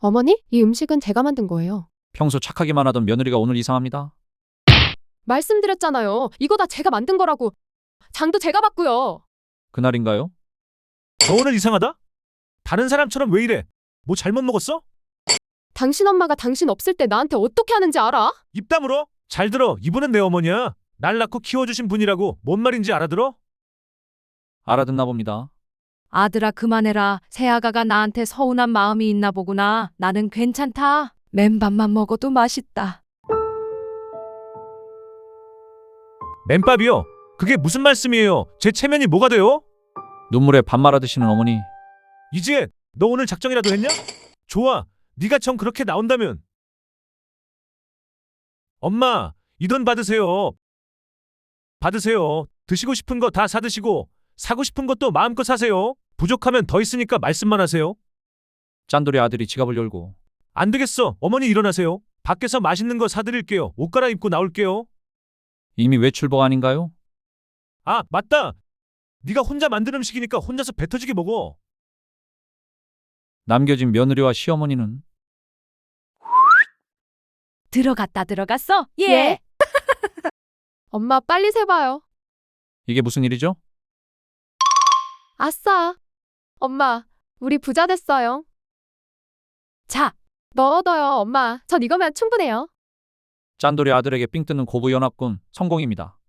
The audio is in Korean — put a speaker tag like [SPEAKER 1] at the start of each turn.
[SPEAKER 1] 어머니, 이 음식은 제가 만든 거예요.
[SPEAKER 2] 평소 착하기만 하던 며느리가 오늘 이상합니다.
[SPEAKER 1] 말씀드렸잖아요. 이거 다 제가 만든 거라고. 장도 제가 봤고요.
[SPEAKER 2] 그날인가요?
[SPEAKER 3] 너 오늘 이상하다? 다른 사람처럼 왜 이래? 뭐 잘못 먹었어?
[SPEAKER 1] 당신 엄마가 당신 없을 때 나한테 어떻게 하는지 알아?
[SPEAKER 3] 입 다물어? 잘 들어. 이분은 내 어머니야. 날 낳고 키워주신 분이라고. 뭔 말인지 알아들어?
[SPEAKER 2] 알아듣나 봅니다.
[SPEAKER 4] 아들아 그만해라. 새아가가 나한테 서운한 마음이 있나 보구나. 나는 괜찮다. 맨밥만 먹어도 맛있다.
[SPEAKER 3] 맨밥이요? 그게 무슨 말씀이에요? 제 체면이 뭐가 돼요?
[SPEAKER 2] 눈물에 밥 말아 드시는 어머니.
[SPEAKER 3] 이지혜, 너 오늘 작정이라도 했냐? 좋아. 네가 정 그렇게 나온다면. 엄마, 이 돈 받으세요. 받으세요. 드시고 싶은 거 다 사드시고 사고 싶은 것도 마음껏 사세요. 부족하면 더 있으니까 말씀만 하세요.
[SPEAKER 2] 짠돌이 아들이 지갑을 열고
[SPEAKER 3] 안 되겠어. 어머니 일어나세요. 밖에서 맛있는 거 사드릴게요. 옷 갈아입고 나올게요.
[SPEAKER 2] 이미 외출복 아닌가요?
[SPEAKER 3] 아, 맞다. 네가 혼자 만든 음식이니까 혼자서 배 터지게 먹어.
[SPEAKER 2] 남겨진 며느리와 시어머니는
[SPEAKER 4] 들어갔어?
[SPEAKER 1] 예. 엄마, 빨리 세봐요.
[SPEAKER 2] 이게 무슨 일이죠?
[SPEAKER 1] 아싸. 엄마, 우리 부자 됐어요.
[SPEAKER 4] 자,
[SPEAKER 1] 너 얻어요, 엄마. 전 이거면 충분해요.
[SPEAKER 2] 짠돌이 아들에게 삥 뜯는 고부연합군 성공입니다.